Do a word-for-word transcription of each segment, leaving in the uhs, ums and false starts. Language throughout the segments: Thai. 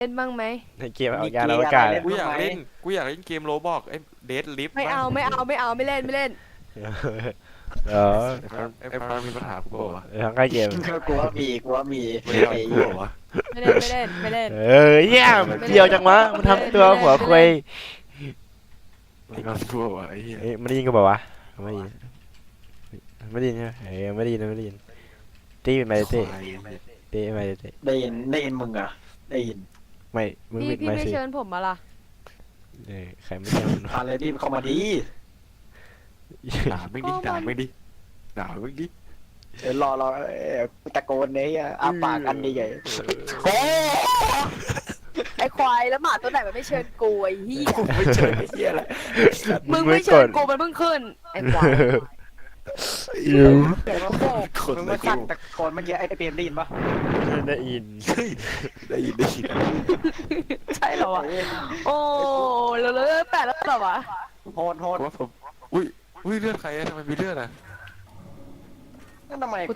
เล่นบ้างไหมในเกมเอายานอวกาศกูอยากเล่นกูอยากเล่นเกมโรบอกไอ้เดดลิฟต์ไม่เอาไม่เอาไม่เอาไม่เล่นไม่เล่นเออไอ้ฟ้ามีปัญหากูบอกว่าทั้งใกล้เกมกูว่ามีกูว่ามีไม่เอากูบอกว่าไม่เล่นไม่เล่นไม่เล่นเออเยี่ยมเดียวจังวะมันทำตัวหัวคุยไม่เอากูบอกว่าไอ้เหี้ยเอ้ยไม่ได้ยินก็บอกว่าไม่ได้ยินไม่ได้ยินใช่ไหมเอ้ยไม่ได้ยินไม่ได้ยินตีเป็นไมเต้ตีเป็นไมเต้ได้ยินได้ยินมึงอ่ะได้ยินไม่มึงพี่ปิดพี่ไม่ไม่สิเชิญผมมาล่ะเออใครไม่เชิญอะไรรีบเข้ามาดีด่าไม่ดิด่าไม่ดิด่าไม่ดิเดี๋ยวรอรอตะโกนเนี่ยอาปากอันใหญ่โอ้ไอควายแล้วหมาตัวไหนมันไม่เชิญกูไอ้เหี้ยไม่เจอไอ้เหี้ยอะไรมึงไม่เชิญกูมันเพิ่งขึ้นไอควายอิวเดี๋ยวมาโผล่มึงมาสั่นตะโกนเมื่อกี้ไอ้เปรมได้ยินปะได้ยินได้ยินได้ยินใช่เหรอวะโอ้แล้วแล้วแปดแล้วเหรอวะโหดโหดว่าผมอุ้ยอุ้ยเลือดใครอะทำไมมีเลือดอะนั่นทำไมเนี่ย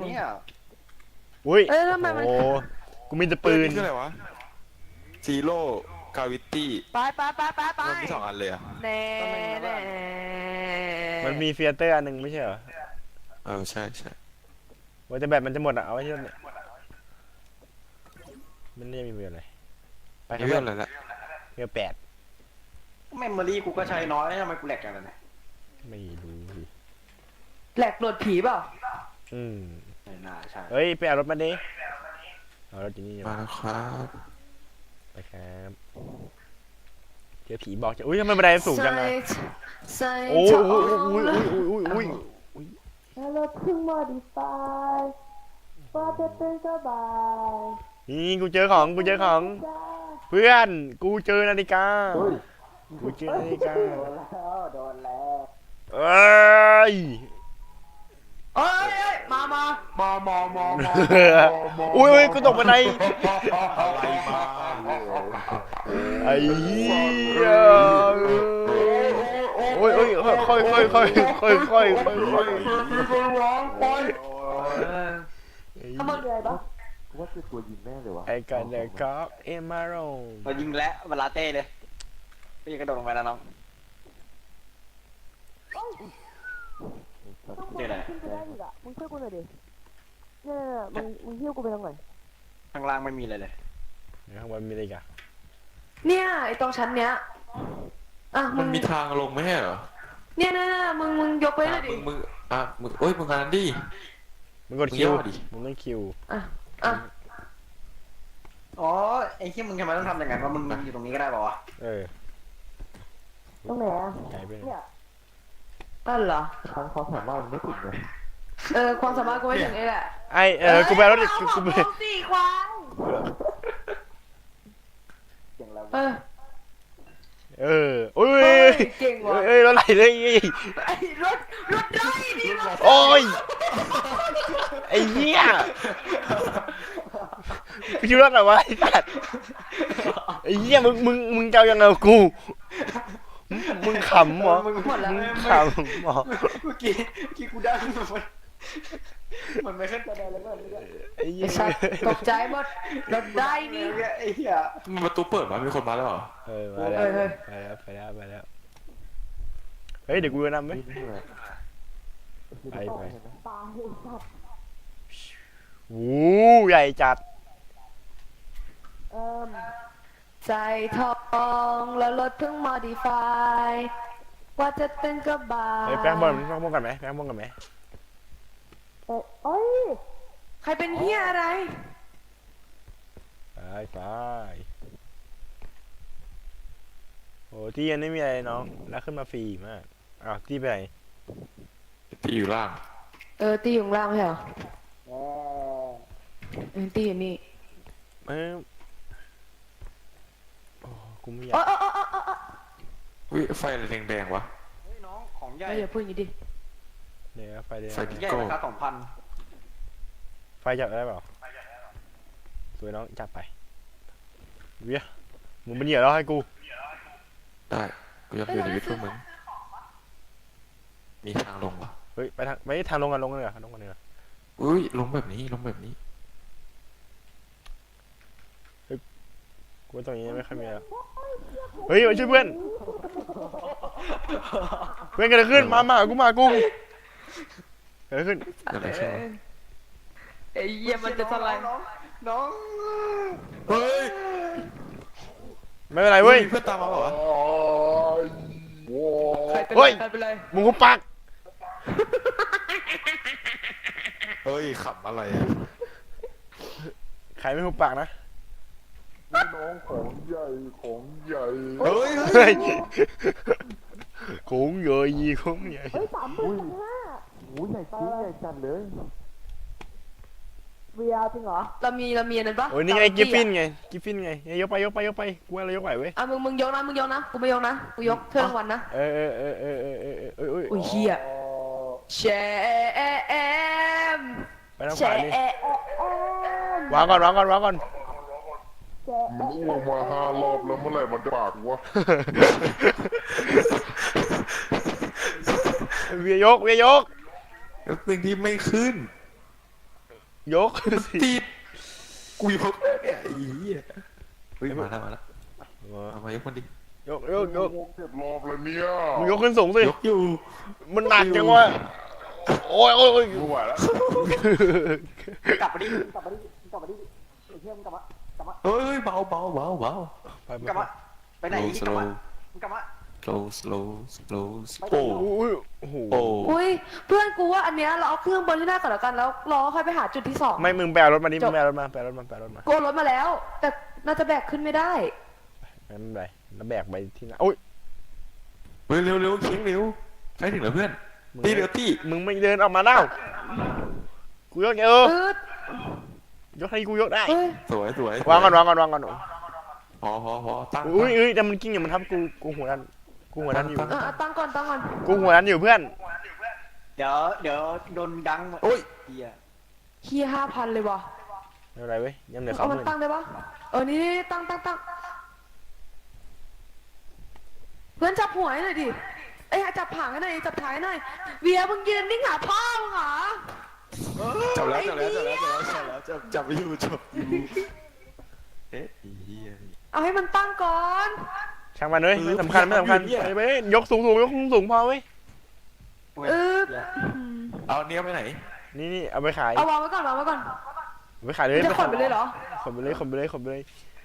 อุ้ยเอ้ยทำไมมันโอ้กูมีแต่ปืนคืออะไรวะซีโร่กาวิตี้ไปไปไปไปไปมันมีสองอันเลยอะแน่แน่มันมีเฟียเตอร์อันหนึ่งไม่ใช่เหรอเออใช่ใช่ว่าจะแบบมันจะหมดอ่ะเอาไว้ที่นั่นเนี่ยมันไม่มีเวลอะไรไปไม่เลือดอะไรละเวลแปดเมมโมรี่กูก็ใช้น้อยทำไมกูแหลกกันเนี่ยไม่รู้สิแหลกโดดผีเปล่าอืมไม่น่าใช่เฮ้ยไปเอารถมาดิเอารถที่นี่มาแล้วครับไปครับเจอผีบอกจะอุ้ยทำไมบันไดสูงจังอะใส่โอ้ยทโอ้อย งโอ้ยโอ้ยโอ้ยโอ้ยแล้วรถเพิ่ง modify ว่าจะเป็นสบายนี่กูเจอของกูเจอของเพื่อนกูเจอนาฬิกากูเจอนาฬิกาโดนแล้วโดนแล้วเอ้ยเอ้ยเอ้ยมามามามามามาอุ้ยอุ้ยกูตกบันไดอะไรมาไอ้เหี้ยโอ้ยโอ้ยค่อยค่อยค่อยค่อยค่อยค่อยค่อยทำมันเลยปะว่าคือตัวยิงแม่เลยวะไอ้กันเด็กก็เอ็มมาโรเรายิงแล้วเวลาเต้เลยไปยิงกระโดดลงไปแล้วน้องเจออะไรขึ้นไปได้อีกอ่ะมึงช่วยกูหน่อยดิเนี่ยมึงมึงหิ้วกูไปตรงไหนข้างล่างไม่มีอะไรเลยข้างบนมีอะไรกันเนี่ยไอตรงชั้นเนี้ยอ่ะมึมันงมีทางลงไหมเหรอเนี่ยนะมึงมึงยกไปเลยดิมึงมึงอ่ะมึงเอ้ยมึงงานดิมึงกดคิวมึงย่อดิมึงต้องคิวอ่ะอ่ะอ๋อไอ้ที่มึงทำไมต้องทำอย่างนั้นว่ามึงอยู่ตรงนี้ก็ได้ป่าวะเออตรงไหนอ่ะไกลไปหน่อยเนี่ยอ้าวเหรอทางความสามารถมันไม่ถึงเลยเออความสามารถกูไม่ถึงนี่แหละไอเออกูไปรถกูกูไปเอาสี่ควายเออเออโอ้ยเฮ้ยเก่งว่ะเอ้ยรถไหลเลยไอ้รถรถได้ดิรถโอ้ยไอ้เหี้ยกูคิดว่าอะไรวะไอ้สัตว์ไอ้เหี้ยมึงมึงมึงเจ้ายังไงกูมึงขำเหรอมึงหมดแล้วขำเหรอเมื่อกี้เมื่อกี้กูได้มันมันไม่ขึ้นกระไดแล้วก็ไอ้เหี้ไอ้ยสัตว์ตกใจหมดรถได้นี่ไอ้เหี้ยมันประตูเปิดมามีคนมาแล้วเหรอเออมาแล้วไปแล้วไปแล้วไปแล้วเฮ้ยเดี๋ยวกูจะนำไหมไปไปโอ้ใหญ่จัดเอิ่มใจทองแล้วรถเพิ่ง modify ว่าจะเต้นก็บาเฮ้ยแป้งบอลแป้งบอลกันไหมแป้งบอลกันไหมเอ้ยใครเป็นเฮียอะไรไปไปโอ้ที่ยังไม่มีอะไรน้องแล้วขึ้นมาฟรีมากอ้าวที่ไปไหนที่อยู่ล่างเออตีอยู่ข้างล่างไม่ใช่เหรอเออตีอยู่นี่เออโอ้กูไม่อยาโอ้กโอ้โอ้โอ้โอ้โอ้อุ้ยไฟอะไรแดงๆวะเฮ้ยน้องของใหญ่เฮ้ยอย่าพูดอย่างนี้ดิเดี๋ยวไฟเดี๋ยวไฟดิใหญ่ราคาสองพันไฟจับได้เปล่าสวยน้องจับไปเวียมึงเป็นเหยื่อแล้วให้กูได้กูอยากอยู่ในวิทย์เพื่อมึงมีทางลงวะเฮ้ยไปทางไปทางลงกันลงกันเลยเหรอลงกันเลยเหรออุ้ยลงแบบนี้ลงแบบนี้กูว่าตรงนี้ไม่ค่อยมีแล้วเฮ้ยมาช่วยเพื่อนเพื่อนเกิดอะไรขึ้นมามากูมากูเกิดอะไรขึ้นเดี๋ยวเราช่วยไอ้เหี้ยมันจะสไลด์น้องน้องเฮ้ยไม่เป็นไรเว้ยมีเพื่อนตามมาเปล่าวะใครเป็นเฮ้ไรยใครเป็นไรมึงกูปักเฮ้ยขำอะไรอะใครไม่หูปากนะน้องของใหญ่ของใหญ่เฮ้ยเฮ้ยโค้งเยยยีโค้งใหญ่อุ้ยอุ้ยใหญ่จริงใหญ่จัดเลยเวียจริงเหรอเรามีเรามีอันนั้นปะโอ้ยนี่ไงกิฟฟินไงกิฟฟินไงยกไปยกไปยกไปกูว่าเรายกไหวเว้ยอ่ะมึงมึงยกนะมึงยกนะกูไม่ยกนะกูยกเท่ารางวัลนะเออเออเออเออเออเออเออเอออุ้ยเฮียแชมไปทางแชขวานี่มวางก่อนวางก่อนวางก่อนมันอ้วกมาห้ารอบแล้วเมื่อไหร่มันจะปากวะเวียยกเวียยกแล้วสิ่งที่ไม่ขึ้นยกสิติดกูยกแล้วเนี่ยไอ้เหี้ยเฮ้ยมาแล้วมาแล้วเอามายกมันดิยกยกยกอ้วกเจ็ดรอบแล้วเนี่ยมึงยกขึ้นสูงสิยกอยู่มันหนักจังวะโอ้ยโอ้ยโอ้ยไม่ไหวแล้วกลับมาดิกลับมาดิกลับมาดิไอ้เหี้ยมึงกลับมากลับมาเฮ้ยเบาเบาเบาเบาไปไปกลับมาไปไหนกลับมามึงกลับมา slow slow slow โอ้โอ้โหโอ้โหโอ้อุ้ยเพื่อนกูว่าอันเนี้ยเราเอาเครื่องบนที่หน้าก่อนแล้วกันแล้วรอค่อยไปหาจุดที่สองไม่มึงแปลรถมาดิมึงแปลรถมาแปลรถมาแปลรถมากูเอารถมาแล้ว แต่น่าจะแบกขึ้นไม่ได้ไม่เป็นไรแล้วแบกไปที่ไหนโอ้ยเฮ้ยเร็วเร็วเคียงเร็วใกล้ถึงแล้วเพื่อนมึงตีเร็วตีมึงไม่เดินออกมาแล้วกูยกเอออืดยกให้กูยกได้เฮ้ยสวยสวยวางก่อนวางก่อนวางก่อนพอพอพอตั้งอุ้ยอุ้ยแต่มันกิ้งอย่างมันทับกูกูหัวดันกูหัวดันอยู่อ่ะอ่ะตั้งก่อนตั้งก่อนกูหัวดันอยู่เพื่อนเดี๋ยวเดี๋ยวโดนดังโอ้ยเหี้ยเฮียห้าพันเลยว่ะไม่เป็นไรเว้ยยังเหลือสอเอางหมันมื่นตั้งได้ปะเออนี่นี่ตั้งตั้งตั้งเพื่อนจับหัวให้หน่อยดิเอ้ยจับผางให้หน่อยจับท้ายหน่อยเวียมึงยืนนิ่งหาพ่อมึงเหรอจับแล้วจับแล้วจับแล้วจับแล้วจับแล้วจับจับไปอยู่จับอยู่เอ๊ะไอ้เหี้ยเอาให้มันตั้งก่อนช่างมันเลยเออไม่สำคัญไม่สำคัญผมอยากไปอยู่ไปเนี่ยยกสูงสูงยกสูงสูงพอเว้ยเออเอาเนี้ยไปไหนนี่นี่เอาไปขายเอาวางไว้ก่อนวางไว้ก่อนเอาไปขายเลยมึงจะขนไปเลยเหรอขนไปเลยขนไปเลยขนไปเลย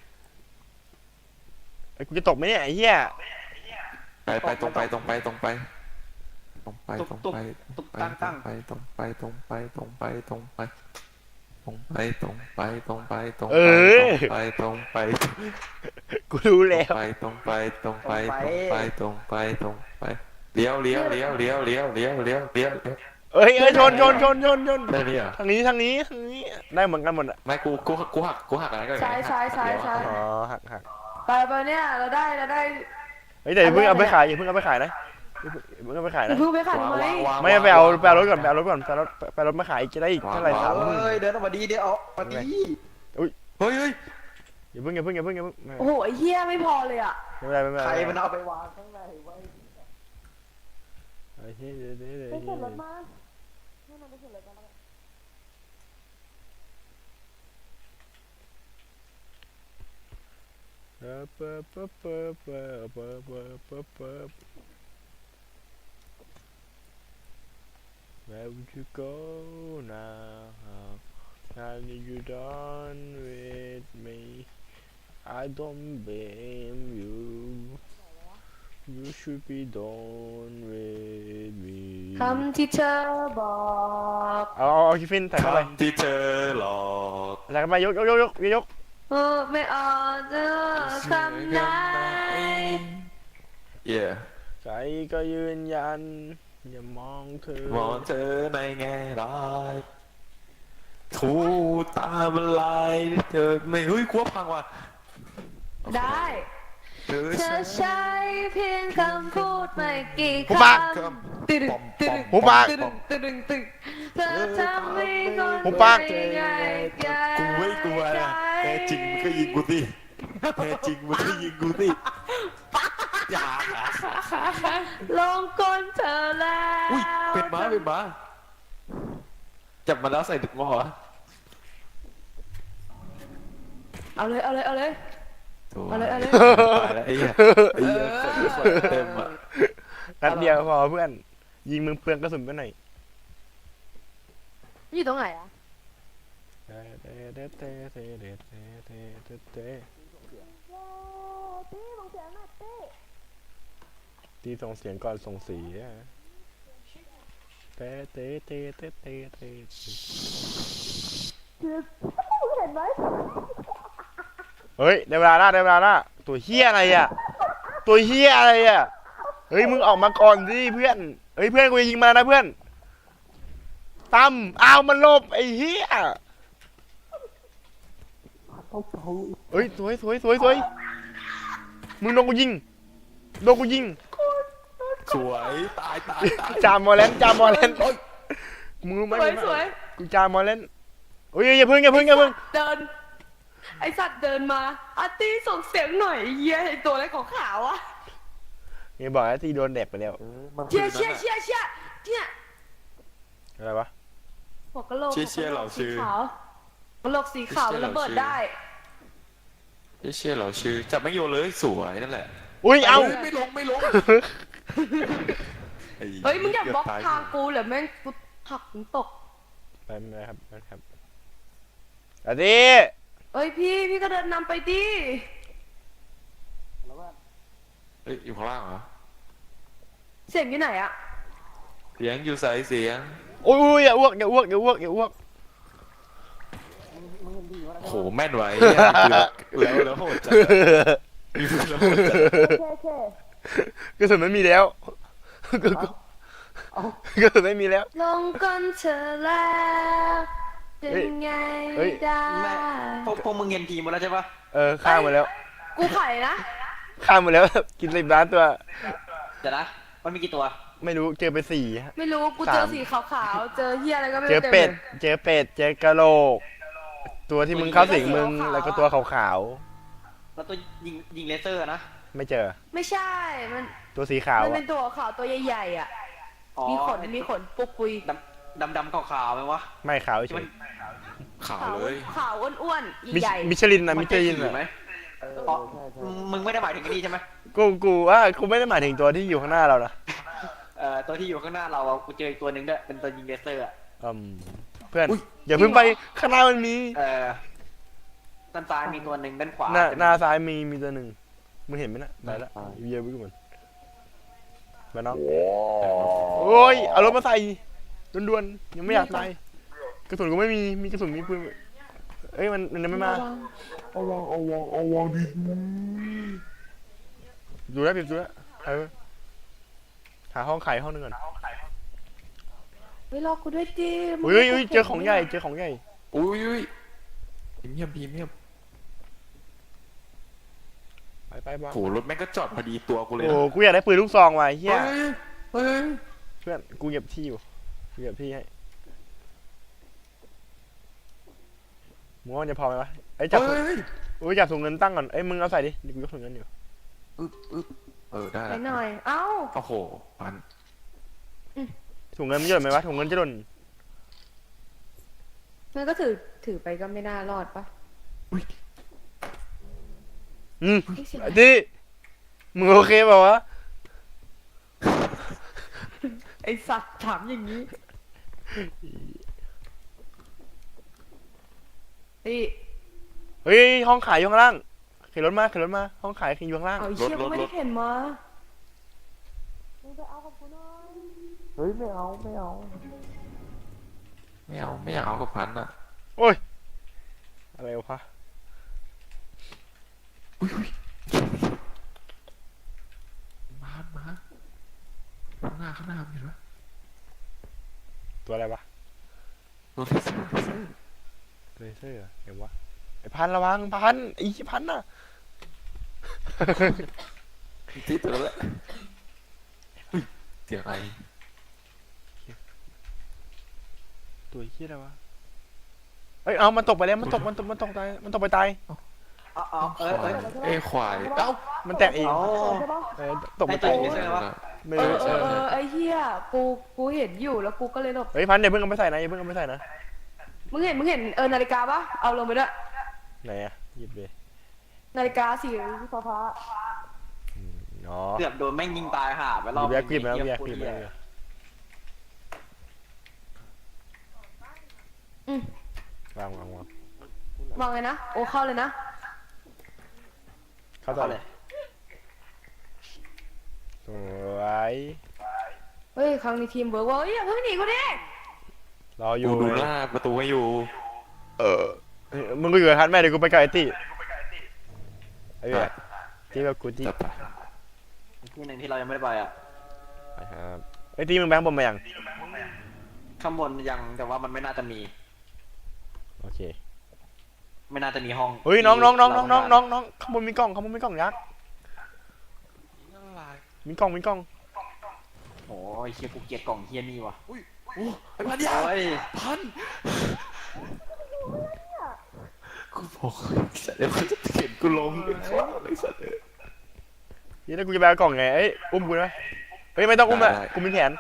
ไอ้ยกูจะตกไหมเนี่ยไอ้เหี้ยไปไปตรงไปตรงไปตรงไปตรงไปตุกตรงตุกไปตุกตั้งตั้งไปตรงไปตรงไปตรงไปตรงไปตรงไปตรงไปตรงไปตรงเออไปตรงไปกูรู้แล้วไปตรงไปตรงไปตรงไปตรงไปตรงไปเลี้ยวเลี้ยวเลี้ยวเลี้ยวเลี้ยวเลี้ยวเลี้ยวเลี้ยวเอ้ยเอ้ยชนชนชนชนชนได้นี่เหรอทางนี้ทางนี้ทางนี้ได้เหมือนกันหมดอะไม่กูกูกูหักกูหักอะไรก็ซ้ายซ้ายซ้ายซ้ายอ๋อหักหักไปไปเนี่ยเราได้เราได้เฮ้ยแต่อย่าเพิ่งเอาไปขายอย่าเพิ่งเอาไปขายนะอย่าเพิ่งเอาไปขายอย่านะเพิ่งไปขายทำไมไม่ไปเอาไปเอารถก่อนไปเอารถก่อนไปเอารถไปเอารถมาขายจะได้อีกเท่าไหร่สามหมื่นเฮ้ยเดินออกมาดีเดี๋ยวออกมาดีเฮ้ยเฮ้ยอย่าเพิ่งอย่าเพิ่งอย่าเพิ่งอย่าเพิ่งไม่โอ้โหไอ้เหี้ยไม่พอเลยอ่ะไม่เป็นไรไม่เป็นใคไรรมันเอาไปวางข้างในไว้ไอ้เหี้ยเดี๋ยวเดี๋ยวเดี๋ยวไปเดี๋เข็ยนวรถมาให้มันไปเข็นรถมาแล้วกันเปิบเปิบเปิบเปิบเปิบเปิบเปิบเปิบเปิบ Where would you go now? Now that you done with me, I don't blame you. You should be done with me. คำที่เธอบอกเอาเอาเอาคิฟฟินใส่เข้าไปคำที่เธอหลอกใส่เข้าไปยกยกยกยกยกเออไม่ออกเจอคำไหนเย่ใจก็ยืนยัน อย่ามองเธอมองเธอในแง่ร้ายทูตามันลายเธอไม่เฮ้ยกลัวพังว่ะได้เธอเธอใช้เพียงคำพูดไม่กี่หูคปากำตึดึงตึดึงหูปากตึดึงตึดึงตึดึงเธอทำให้คนหูปากไม่ง่ายใจกูไม่กลัวนะแน่จริงมึงก็ยิงกูสิแน่จริงมึงก็ยิงกูสิอย่าลงก้นเธอแล้วอุ้ยเป็นม้าเป็นม้าจับมาแล้วใส่ดึกหม้อวะเอาเลยเอาเลยเอาเลยตัวเอาเลยเอาเลยตายแล้วไอ้เหี้ยไอ้เหี้ยเปิดเปิดเต็มอ่ะนัดเดียวพอเพื่อน ยิงมึงเปลืองกระสุนไปหน่อยอยู่ตรงไหนอะตีส่งเสียงก่อนส่งสีอะเตะเตะเตะเตะเตะเตะเห็นไหมเฮ้ยได้เวลาละได้เวลาละตัวเฮียอะไรอ่ะ ตัวเฮียอะไรอ่ะ เฮ้ยมึงออกมาก่อนดิเพื่อน เฮ้ยเพื่อนกูจะยิงมานะเพื่อนตั้มอ้าวมันหลบไอ้เฮียเฮ้ยสวยสวยสวยสวยมึงโดนกูยิงโดนกูยิงสวยตายตายตายจามมอลเลนจามมอลเลนมึงรู้ไหมสวยสวยกูจามมอลเลนโอ้ยอย่าพึ่งอย่าพึ่งอย่าพึ่งเดิน ไอสัตว์เดินมาอาร์ตี้ส่งเสียงหน่อยไอ้เหี้ยไอตัวอะไรของขาวๆอะนี่บอกแล้วตีโดนเด็บไปแล้วเออมันเชี่ยคืเชี่ยอเชี่ยเชี่ยเนี่ยอะไรวะหัวกะโหลกเชี่ยเชี่ยเหล่าชื่อสีขาวกะโหลกสีขาวเชี่มันยเหล่าระเบิดชื่อได้ไอ้เชี่ยเหราชื่อจับไม่โยนเลยสวยนั่นแหละอุ้ยเอาฮ้ยไม่ลงไม่ลงไเฮ้ยมึงอย่าบล็อกเตทางกูเหรอแม่งกูหักมึงตกไปไม่ได้ครับไม่ได้ครับอาทิเอ้ยพี่พี่ก็เดินนำไปดิเฮ้ยอยู่ข้างล่างเหรอเสียงอยู่ไหนอะเสียงอยู่ใส่เสียงโอ้ยอย่าอ้วกอย่าอ้วกอย่าอ้วกอย่าอ้วกโหแม่นไว้เนี่ยแล้วแล้วโหดจัดอะมีปืนแล้วโหดจัดโอเคกระสุนไม่มีแล้วกระสุนไม่มีแล้วลงก้นเธอแล้วเป็นเฮ้ยไงเฮ้ยได้แม่พวกพวกมึงเห็นทีมหมดแล้วใช่ปะเออข้ามมาแล้วกูไข่นะข้ามมาแล้ว กินสิบล้านตัวเดี๋ยวนะมันมีกี่ตัวไม่รู้เจอไปสี่ฮะไม่รู้กูเจอสามสีขาวๆ เจอเฮียอะไรก็ไม่เจอรู้เป็ดลยเจอเป็ดเจอกระโหลก ตัวที่มึงเข้าสิงมึงแล้วก็ตัวขาวแล้วตัวยิงยิงเลเซอร์นะๆไม่เจอไม่ใช่ มันตัวสีขาวมันอะเป็นตัวขาวตัวใหญ่ๆอ่ะอ๋อมีขน มีขนปุกปุยดำดำดำขาวๆไหมวะไม่ขาวที่เฉมันยขาวขาวเลยขาวอ้วนมิๆใหญ่มิชลินนะมิชลินใช่อะไหมอ๋อมึงไม่ได้หมายถึงไอ้นี่ใช่ไหมกูกูว่ากูไม่ได้หมายถึงตัวที่อยู่ข้างหน้าเรานะเอ่อตัวที่อยู่ข้างหน้าเราอะกูเจออีกตัวหนึ่งด้วยเป็นตัวยิงเลเซอร์อะอืมเพื่อนอย่าเพิ่งไปข้างหน้ามันมีเอ่อด้านซ้ายมีตัวหนึ่งด้านขวาหน้าจะมีหน้าซ้ายมีมีตัวหนึ่งมึงเห็นไหมนะไปละเยี่ยมไปก่อนมาน้องว้าวโอ้ยเอารถมาใส่ด่วนๆยังไม่อยากตายกระสุนก็ไม่มีมีกระสุนมีปืนเอ้ยมันมันยังไม่มาเอาวางเอาวางเอาวางดีดูแลวปิดดูแลวเออหาห้องไข่ห้องหนึงก่อนเฮ้ยรอกูด้วยดิเฮ้ยเฮ้ยเจอของใหญ่เจอของใหญ่อุ้ยอุ้ยเงียบพีเงียบไปไปบ้าโหรถแม่งก็จอดพอดีตัวกูเลยโอ้นะกูอยากได้ปืนลูกซองว่ะเฮียเฮ้ยเฮ้ยเพื่อนกูเหยียบที่อยู่กูเหยียบที่ให้มึงว่ามันจะพอไหมวะไอ้ยจับถุงเฮ้ยอุ้ยจับถุงเงินตั้งก่อนเอ้ยมึงเอาใส่ดิเดี๋ยวกูยกถุงเงินอยู่อึ๊บอึ๊บเออได้ไปแล้วหน่อย เอ้าโอ้โหพันถุงเงินมันจะหล่นไหมวะถุงเงินจะหล่นมันก็ถือ ถือไปก็ไม่น่ารอดปะอืมเฮ้ยเสียงไอ้ที่มึงโอเคเปล่าวะไอสัตว์ถามอย่างนี้พี่เฮ้ยห้องขายอยู่ข้างล่างขี่รถมาขี่รถมาห้องขายขี่อยู่ข้างล่างเอาไอ้เชี่ยกูไม่ได้เห็นมามึงไปเอากับกูหน่อยเฮ้ยไม่เอาไม่เอาไม่เอาไม่อยากเอากับพันอ่ะโอ้ยอะไรวะมามาข้างหน้าข้างหน้าเห็นไหมตัวอะไรวะรถเลเซอร์เลเซอร์เลเซอร์เหรอเดี๋ยววะไอ้พันระวังพันไอ้พันน่ะติดตัวแล้วเฮ้ยเสียงอะไรตัวเหี้ยอะไรวะเอ้ยเอามันตกไปแล้วมันตกมันตกมันตกตายมันตกไปตายเอาเอาเออเออเอ้ยควายเอ้ามันแตกเองเอาเออตกให้มาตัตาวย ยิงเลเซอร์วะไม่เอรู้อเออเออไอเฮียกู กูเห็นอยู่แล้วกูก็เลยหลบเฮ้ยพันเดี๋ยวเพิ่งเอาไปใส่นะอย่าเพิ่งเอาไปใส่นะมึงเห็น มึงเห็นเออนาฬิกาปะเอาลงไปด้วยไหนอะหยิบเลยนาฬิกาสีฟ้าฟ้าเนาะเกือบโดนแม่งยิงตายห่าไปรมีอบแบล็กกริบแล้วไอ้มีเหี้แบล็กกริบโคตแล้วเหี้ยอืมวางวางวางมองเลยนะโอ้เข้าเลยนะเข้าต่อเข้าเลเลย ยสวยเฮ้ยครั้งนี้ทีมเวิร์กว่าเฮ้ยอย่าเพิ่งหนีกูดิรอออยู่ยู่ดูหน้าประตูให้อยู่เออเฮ้ยมึงก็อยู่กับทันแม่เดี๋ยวกูไปกับไอ้ตี้ไอ้เหี้ยที่แบบกูจี้จับไปที่หนึ่งที่เรายังไม่ได้ไปอ่ะไปครับไอ้ตี้มึงแบงค์บอมมายังข้างบนยังแต่ว่ามันไม่น่าจะมีโอเคไม่น่าจะมีห้องเฮ้ยน้องน้องน้องน้องน้องที่น้องน้องข้างบนมีกล้องข้างบนมีกล้องยักษ์มีกล้องมีกล้องโอ้ยเฮียกูเกลียดกล่องเฮียนี่ว่ะโอ้ไอ้พันยาโอ้ยพันกูบอกสัตว์เดี๋ยวมันจะเข็นกูลงเป็นข้าวเลยสัตว์เอ้ยเดี๋ยวกูจะไปเอากล่องไงเอ้ยอุ้มกูได้ไหมเฮ้ยไม่ต้องอุ้มอะได้ได้กูมีแผน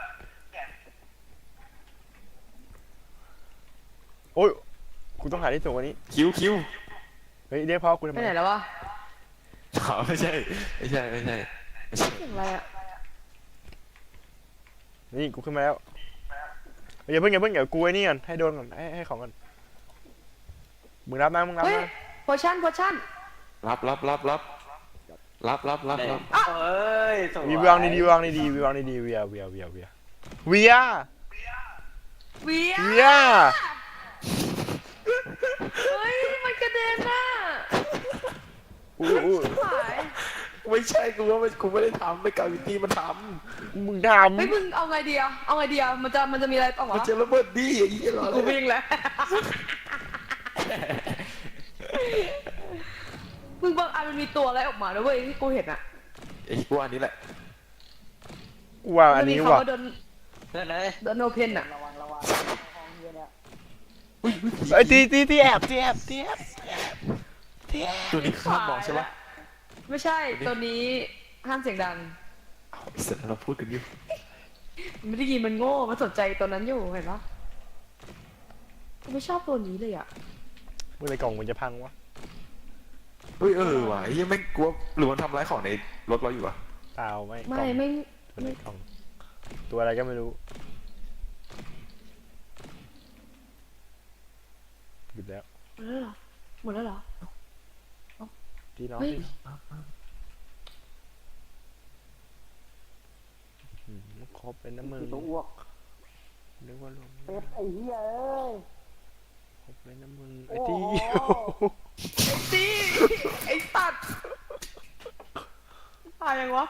โอ้ยกูต้องหาที่สูงกว่านี้คิวคิวเฮ้ยเรียกพ่อกูทำไปไมไหนแล้ววะอ๋อไม่ใช่ไม่ใช่ไม่ใช่ไม่ใช่เสียงอะไรอะนี่กูขึ้นมาแล้วเฮ้ยอย่าเพิ่งอย่าเพิ่งเดี๋ยวกูไอ้นี่ก่อนให้โดนก่อนให้ให้ของก่อนมึงรับนะมึงรับเฮ้ยนะโพชั่นโพชั่นรับรับรับรับรับรับรับได้รับเอ้ยสวยวีวางดีๆวางดีๆวางดีๆเวียเวียเวียเวียเวียเวียเวียเฮ้ยมันกระเด็นน่ะอู้อู้หายไม่ใช่กูว่าไม่กูไม่ได้ทำไม่กาวิตี้มันทมึงทเฮ้ยมึงเอาไงดีอะเอาไงดีอะมันจะมันจะมีอะไรต่อำมันวะจะระเบิดดีไอ้เหี้ยเหรอกูวิ่งแล้วมึงบางอันมันมีตัวอะไรออกมาด้วยเว้ยที่กูเห็นอะไอ้กูอันนี้แหละกูว่าอัมัน นมีนี้คำว่ะว่าโดนเล่นเลยโดนโอเพนอะระวังระวังห้องเฮียเนี่ยอุ้ยอุ้ยผีไอ้ยตีตีตีแอบตีแอบตีแอบตีแอบตัวนี้ข้ามมองใช่ปะไม่ใช่ตัวนี้ห้ามเสียงดังเอาไอ้สัตว์เราพูดกันอยู่มันไม่ได้ยินมันโง่มันสนใจตัวนั้นอยู่เห็นปะกูไม่ชอบตัวนี้เลยอะเมื่อไรกล่องมันจะพังวะเฮ้ยเออว่ะไอ้เหี้ยังไม่กลัวหรือมันทำร้ายของในรถเราอยู่วะเปล่าไม่กล่ไม่องไม่ตัวไหนกล่องตัวอะไรก็ไม่รู้หยุดแล้วหมดแล้วเหรอหมดแล้วเหรอตีน้องเฮ้ยตีอืมครบเป็นน้ำมือตัวอ้วกนึกว่าลงเป็ดไอ้เฮียเอ้ยครบเป็นน้ำมือไอ้ตีไอ้ตีไอ้ตัดตายยังวะ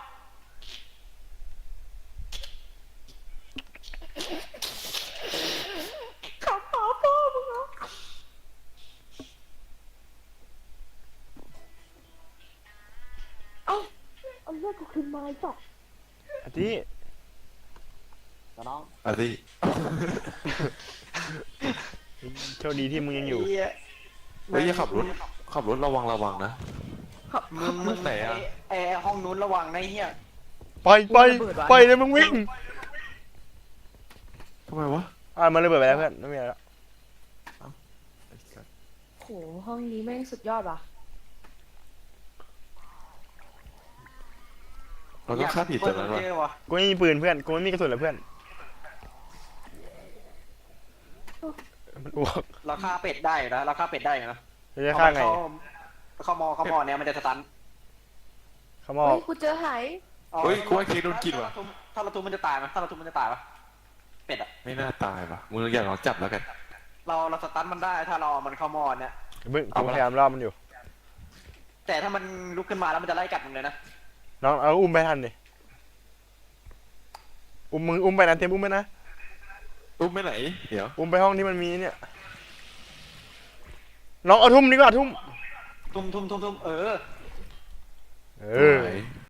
ขับหมาพ่อมึงเหรอเอ้าเอาเลือดกูคืนมาไอ้สัสไอ้ตีน้องอ่ะสิโชคดีที่มึงยังอยู่เฮียเฮ้ยอย่าขับรถขับรถระวังระวังนะมึงมึงไหนอะไอ้ไอ้ห้องนู้นระวังนะไอ้เฮียไปไปไปเลยมึงวิ่งทำไมวะอ่ามันระเบิดไปแล้วเพื่อนไม่มีอะไรแล้วโหห้องนี้แม่งสุดยอดว่ะเราต้องฆ่าผีตัวนั้นวะเปิดวะกูไม่มีปืนเพื่อนกูไม่มีกระสุนเลยเพื่อนมันอ้วกเราฆ่าเป็ดได้อยู่นะเราฆ่าเป็ดได้อยู่นะจะฆ่าไงเขาเขามอเขามอเนี่ยมันจะสตันเขามอเฮ้ยกูเจอไหายเฮ้ยกูว่าเค้กโดนกินว่ะถ้าเราทุบมันจะตายไหมถ้าเราทุบมันจะตายปะเป็ดอะไม่น่าตายว่ะมึงอยากลองจับแล้วกันเราเราสตันมันได้ถ้าเราเอามันเข้ามอเนี่ยเพิ่งเอากูมาพยายามล่อมันอยู่แต่ถ้ามันลุกขึ้นมาแล้วมันจะไล่กัดมึงเลยนะน้องเอาอุ้มไปทันดิอุ้มมึงอุ้มไปนะเต็มอุ้มไปนะอุ้มไปไหนเดี๋ยวอุ้มไปห้องที่มันมีเนี่ยน้องเอาทุ่มดีกว่าทุ่มทุ่มทุ่มทุ่มทุ่มเออเออไหน